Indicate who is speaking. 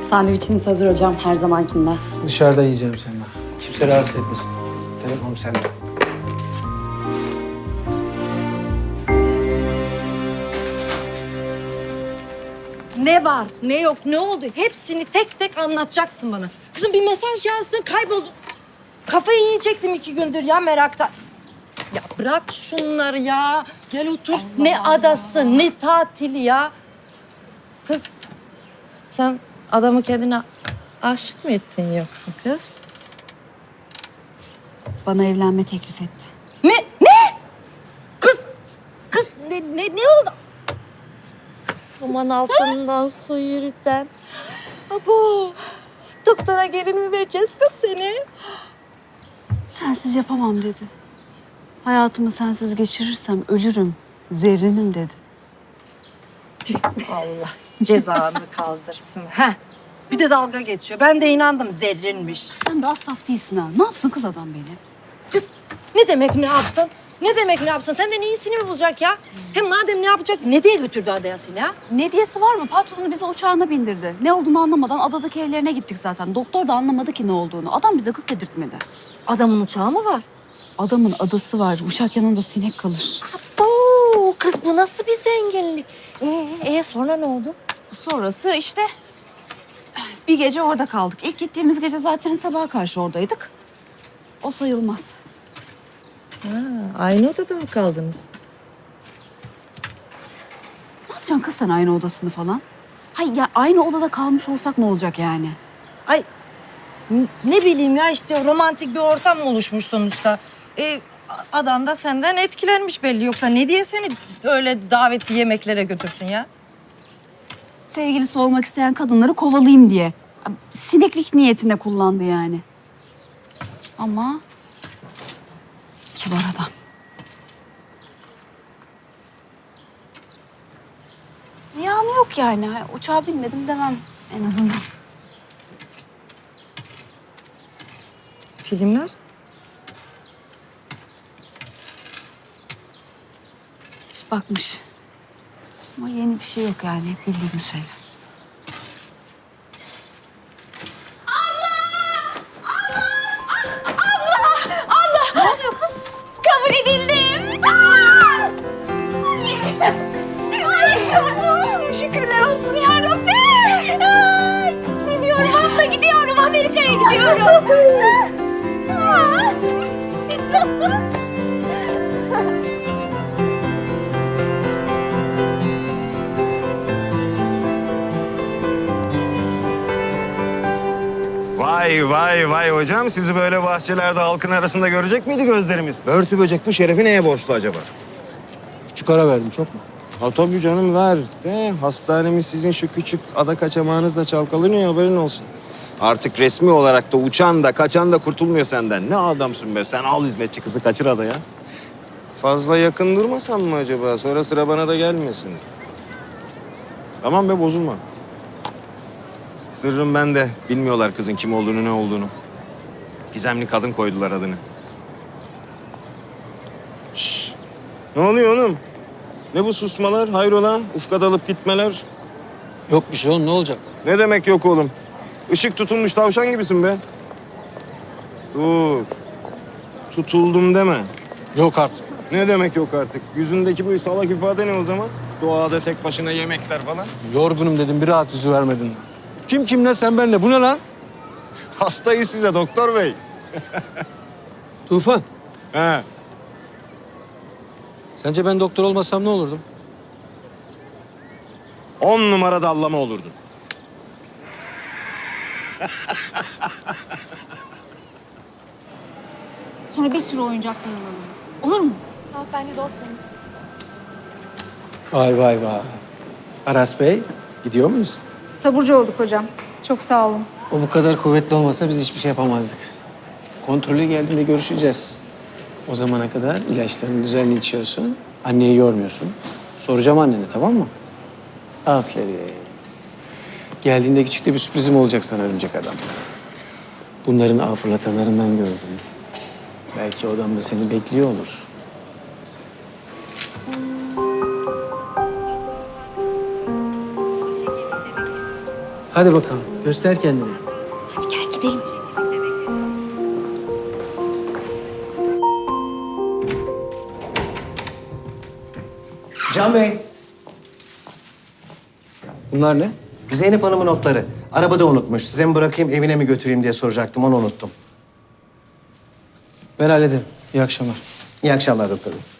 Speaker 1: Sandviçiniz hazır hocam, her zamankinden.
Speaker 2: Dışarıda yiyeceğim seninle. Kimse rahatsız etmesin. Telefonum sende.
Speaker 3: Ne var, ne yok, ne oldu? Hepsini tek tek anlatacaksın bana. Kızım bir mesaj yazdın, kayboldun. Kafayı yiyecektim 2 gündür ya meraktan. Ya bırak şunları ya. Gel otur. Ne adası, ne tatili ya. Kız, sen adamı kendine aşık mı ettin yoksa kız?
Speaker 1: Bana evlenme teklif etti.
Speaker 3: Ne? Ne? Kız ne oldu? Kız saman altından su yürüten. Abo, doktora gelin mi vereceğiz kız seni?
Speaker 1: Sensiz yapamam dedi. Hayatımı sensiz geçirirsem ölürüm, zerrinim dedi.
Speaker 3: Allah cezanı kaldırsın. Heh. Bir de dalga geçiyor. Ben de inandım zerrinmiş.
Speaker 1: Sen de az saf değilsin ha. Ne yapsın kız adam beni?
Speaker 3: Kız ne demek ne yapsın? Ne demek ne yapsın? Senden iyisini mi bulacak ya? Hem madem ne yapacak, ne diye götürdü adaya seni ya?
Speaker 1: Ne diyesi var mı? Patronu bizi uçağına bindirdi. Ne olduğunu anlamadan adadaki evlerine gittik zaten. Doktor da anlamadı ki ne olduğunu. Adam bize gık dedirtmedi.
Speaker 3: Adamın uçağı mı var?
Speaker 1: Adamın adası var. Uçak yanında sinek kalır.
Speaker 3: Oo, kız bu nasıl bir zenginlik? Sonra ne oldu?
Speaker 1: Sonrası işte bir gece orada kaldık. İlk gittiğimiz gece zaten sabaha karşı oradaydık. O sayılmaz.
Speaker 3: Aynı odada mı kaldınız?
Speaker 1: Ne yapacaksın kız sen aynı odasını falan? Hayır ya aynı odada kalmış olsak ne olacak yani?
Speaker 3: Ay ne bileyim ya işte romantik bir ortam oluşmuş sonuçta. Adam da senden etkilenmiş belli. Yoksa ne diye seni öyle davetli yemeklere götürsün ya?
Speaker 1: Sevgilisi olmak isteyen kadınları kovalayayım diye. Sineklik niyetine kullandı yani. Ama kibar adam. Ziyanı yok yani. Uçağa binmedim demem en azından.
Speaker 3: Filmler?
Speaker 1: Bakmış. Ama yeni bir şey yok yani. Hep bildiğimiz şeyler. Ne oluyor kız?
Speaker 4: Kabul edildim. Aa! Ay, şükürler olsun ya Rabbi. Ay, gidiyorum abla gidiyorum. Amerika'ya gidiyorum. Aa!
Speaker 5: Vay hocam, sizi böyle bahçelerde halkın arasında görecek miydi gözlerimiz? Börtü böcek bu şerefi neye borçlu acaba?
Speaker 2: Küçük ara verdim çok mu?
Speaker 5: Ha tabii canım ver. De, hastanemiz sizin şu küçük ada kaçamağınızla çalkalanıyor, haberin olsun. Artık resmi olarak da uçan da kaçan da kurtulmuyor senden. Ne adamsın be, sen al hizmetçi kızı kaçır adaya. Fazla yakın durmasam mı acaba? Sonra sıra bana da gelmesin. Tamam be, bozulma. Sırrım bende. Bilmiyorlar kızın kim olduğunu, ne olduğunu. Gizemli kadın koydular adını. Şşş. Ne oluyor oğlum? Ne bu susmalar? Hayrola? Ufka dalıp gitmeler.
Speaker 2: Yok bir şey oğlum ne olacak?
Speaker 5: Ne demek yok oğlum? Işık tutulmuş tavşan gibisin be. Dur. Tutuldum deme.
Speaker 2: Yok artık.
Speaker 5: Ne demek yok artık? Yüzündeki bu salak ifade ne o zaman? Doğada tek başına yemekler falan.
Speaker 2: Yorgunum dedim bir rahat yüzü vermedin. Kim kimle sen benle bu ne lan?
Speaker 5: Hastayız size doktor bey.
Speaker 2: Tufan.
Speaker 5: He.
Speaker 2: Sence ben doktor olmasam ne olurdum?
Speaker 5: 10 numara dallama olurdun.
Speaker 1: Sonra bir sürü oyuncaklar alalım. Olur mu?
Speaker 4: Hanımefendi dostlarınız.
Speaker 2: Vay. Aras Bey gidiyor muyuz?
Speaker 6: Taburcu olduk hocam. Çok sağ olun.
Speaker 2: O bu kadar kuvvetli olmasa biz hiçbir şey yapamazdık. Kontrolü geldiğinde görüşeceğiz. O zamana kadar ilaçlarını düzenli içiyorsun. Anneyi yormuyorsun. Soracağım annene tamam mı? Aferin. Geldiğinde küçük de bir sürprizim olacak sana örümcek adam. Bunların ağ fırlatanlarından gördüm. Belki odamda seni bekliyor olur. Hadi bakalım, göster kendini.
Speaker 3: Hadi gel gidelim.
Speaker 7: Can Bey,
Speaker 2: Bunlar ne?
Speaker 7: Zeynep Hanım'ın notları. Arabada unutmuş. Size mi bırakayım, evine mi götüreyim diye soracaktım. Onu unuttum.
Speaker 2: Ben hallederim. İyi akşamlar.
Speaker 7: İyi akşamlar doktor bey.